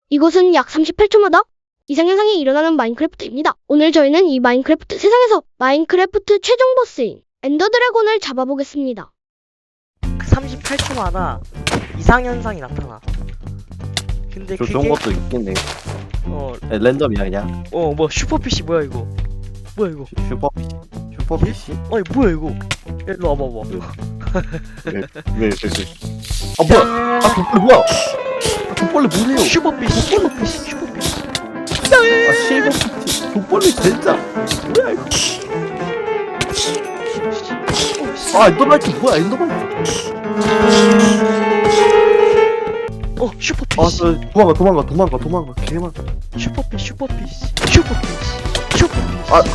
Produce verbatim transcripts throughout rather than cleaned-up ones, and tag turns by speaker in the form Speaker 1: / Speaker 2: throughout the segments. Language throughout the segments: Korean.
Speaker 1: 이곳은 약 삼십팔 초마다 이상현상이 일어나는 마인크래프트입니다. 오늘 저희는 이 마인크래프트 세상에서 마인크래프트 최종 보스인 엔더 드래곤을 잡아보겠습니다.
Speaker 2: 삼십팔 초마다 이상현상이 나타나. 근데
Speaker 3: 저
Speaker 2: 그게
Speaker 3: 좋은 것도 있겠네.
Speaker 2: 어,
Speaker 3: 네, 랜덤이야 그냥.
Speaker 2: 어, 뭐 슈퍼피쉬 뭐야 이거? 뭐야 이거?
Speaker 3: 슈- 슈퍼피시. 슈퍼피시?
Speaker 2: 아니 뭐야 이거? 야, 일로 와봐봐.
Speaker 3: 왜? 왜? 왜? 왜? 아 뭐야? 아 족벌레 뭐야? 아 족벌레 뭐래요?
Speaker 2: 슈퍼피쉬, 슈퍼피쉬, 슈퍼피쉬.
Speaker 3: 아 실버피시. 족벌레 진짜. 뭐야 이거? 아 엔더마이트 뭐야 엔더마이트?
Speaker 2: 어, 슈퍼피쉬.
Speaker 3: 아저 도망가 도망가 도망가 도망가 개만.
Speaker 2: 슈퍼피쉬, 슈퍼피쉬, 슈퍼피쉬, 슈퍼피쉬.
Speaker 3: 아.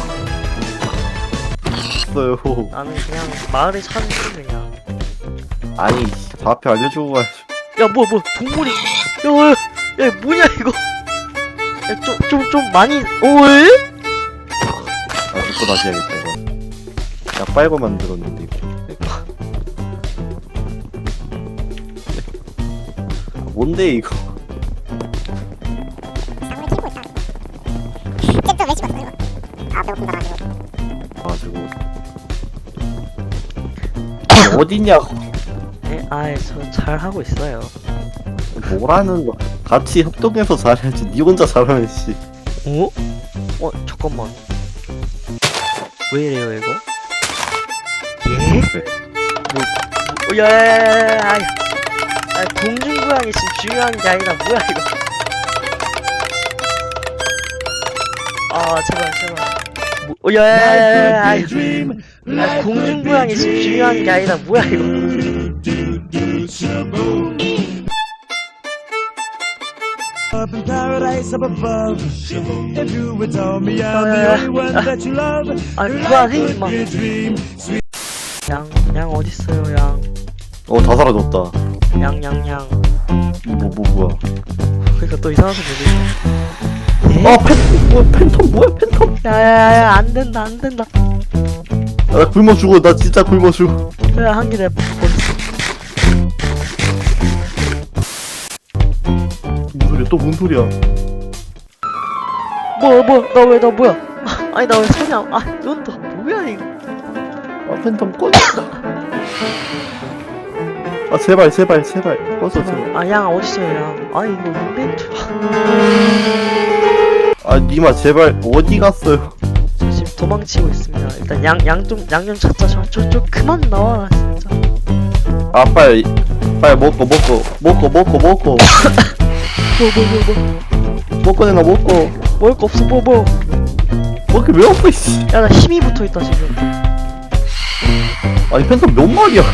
Speaker 3: 어요.
Speaker 2: 나는 그냥 마을에 사는 중 그냥.
Speaker 3: 아니 좌표 알려주고 가야지.
Speaker 2: 야, 뭐, 뭐, 동물이. 야, 야, 야, 뭐냐, 이거. 야, 좀, 좀, 좀 많이, 오에?
Speaker 3: 아 이거 다시 해야겠다 이거. 야 빨고 만들었는데 이거. 아, 뭔데 이거?
Speaker 4: 또 왜 집었어 이거? 아 배고픈가 가지고
Speaker 3: 가지고 어디냐고.
Speaker 2: 네, 아, 저 잘하고 있어요.
Speaker 3: 뭐라는 거. 같이 협동해서 잘해야지. 니 혼자 잘하면 씨.
Speaker 2: 어? 어, 잠깐만. 왜 이래요, 이거? 예?
Speaker 3: 왜?
Speaker 2: 뭐, 뭐, 야, 야, 야, 야, 야, 야. 아, 공중부양이 지금 중요한 게 아니라, 뭐야, 이거. 아, 제발, 제발. 뭐, 어, 야, 야, 야, 야, 야, 야. 아, 공중부양이 지금 중요한 게 아니라, 뭐야, 이거.
Speaker 5: Up in paradise up above. If you would tell me I'm the only one that you love,
Speaker 2: 아,
Speaker 5: your
Speaker 2: 그만
Speaker 5: life
Speaker 2: 해,
Speaker 5: would
Speaker 2: 임마.
Speaker 5: be a dream. Sweet
Speaker 2: 양, 양 어딨어요, 양.
Speaker 3: 어 다 사라졌다.
Speaker 2: 양, 양, 양.
Speaker 3: 뭐 뭐 뭐야?
Speaker 2: 그니까 또 이상한 소리 들리네.
Speaker 3: 아 팬 뭐야 팬텀 뭐야 팬텀?
Speaker 2: 야야야, 안 된다, 안 된다.
Speaker 3: 아, 나 굶어 죽어. 나 진짜 굶어 죽어.
Speaker 2: 야, 한개 내가 버렸어.
Speaker 3: 무슨 소리야? 또 뭔 소리야?
Speaker 2: 뭐야, 뭐야, 나 왜, 나 뭐야? 아니, 나 왜 손이 안, 아, 넌 또 뭐야, 이거.
Speaker 3: 아 팬텀 꺼져. 아 제발 제발 제발 꺼져 제발.
Speaker 2: 아, 양 어딨어요, 양. 아, 이거 인벤트.
Speaker 3: 아 니마 제발 어디 갔어요?
Speaker 2: 저 지금 도망치고 있습니다. 일단 양, 양 좀, 양 좀 찾자. 저, 저, 저 그만 나와라, 진짜.
Speaker 3: 아 빨리 빨리 먹고 먹고 먹고 먹고 먹고
Speaker 2: 뭐, 뭐, 뭐, 뭐.
Speaker 3: 먹고 내놔 먹고.
Speaker 2: 먹을 거 없어, 뭐, 뭐.
Speaker 3: 먹기 왜 없어 이씨.
Speaker 2: 야, 나 힘이 붙어 있다, 지금.
Speaker 3: 아니 팬텀 몇 마리야?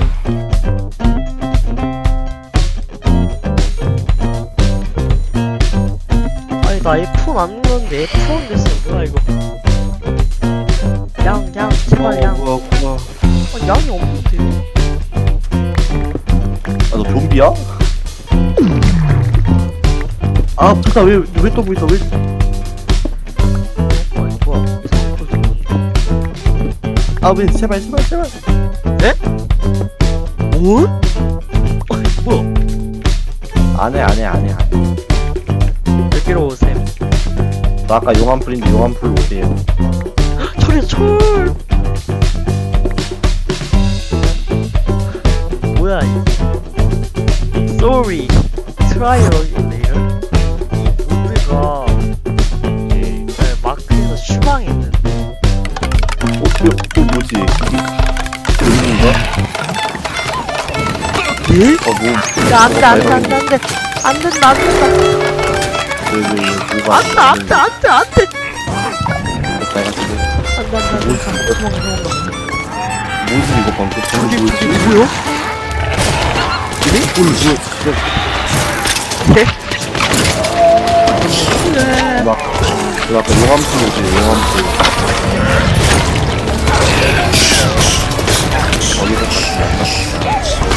Speaker 2: 아니, 나 에프 원 안 눌렀는데 에프 원 됐어. 뭐야, 이거. 양, 양, 제발, 양.
Speaker 3: 뭐야 뭐야.
Speaker 2: 아, 양이 없는데.
Speaker 3: 아 너 좀비야? 아 잠깐 왜왜 또 보이서 왜?
Speaker 2: 아니, 뭐야. 이상한 거 들리는데.
Speaker 3: 아 왜 제발 제발 제발.
Speaker 2: 뭐? 아니, 뭐야.
Speaker 3: 안해 안해 안해 안해.
Speaker 2: 여기로 오셈.
Speaker 3: 나 아까 용암 풀인데 용암 풀 오세요.
Speaker 2: 철이야, 철! 뭐야, 이. Sorry. Try again later. 이 모드가, 네, 마크에서 추방했는데.
Speaker 3: 어? 또, 또 뭐지? 여기인가?
Speaker 2: 예?
Speaker 3: 어 뭐?
Speaker 2: 야, 안 돼, 안 돼, 안 돼, 안 돼. 안 된다, 안 된다.
Speaker 3: 왜왜 뭐가?
Speaker 2: 안 돼, 안 돼, 안 돼, 안 돼.
Speaker 3: 내가 지금
Speaker 2: 안 돼, 안 돼, 안 돼. 도망가, 도망가.
Speaker 3: 뭐지 이거 방금?
Speaker 2: 저기,
Speaker 3: 뭐지?
Speaker 2: 저기, 뭐야?
Speaker 3: 이게? 뭘 뭐야?
Speaker 2: 네?
Speaker 3: 막, 그 아까 용암 풀 오지 용암 풀. 어디서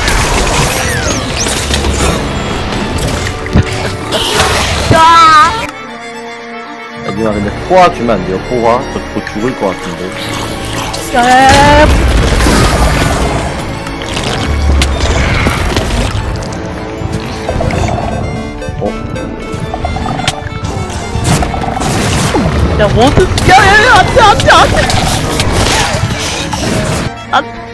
Speaker 2: 야!
Speaker 3: 야, 니가 근데 포화 주면 안 돼요, 포화? 저, 저 죽을 것 같은데.
Speaker 2: 야, 야, 야, 야. 야, 뭐든, 야, 야, 야, 안 돼, 안 돼, 안 돼! 안,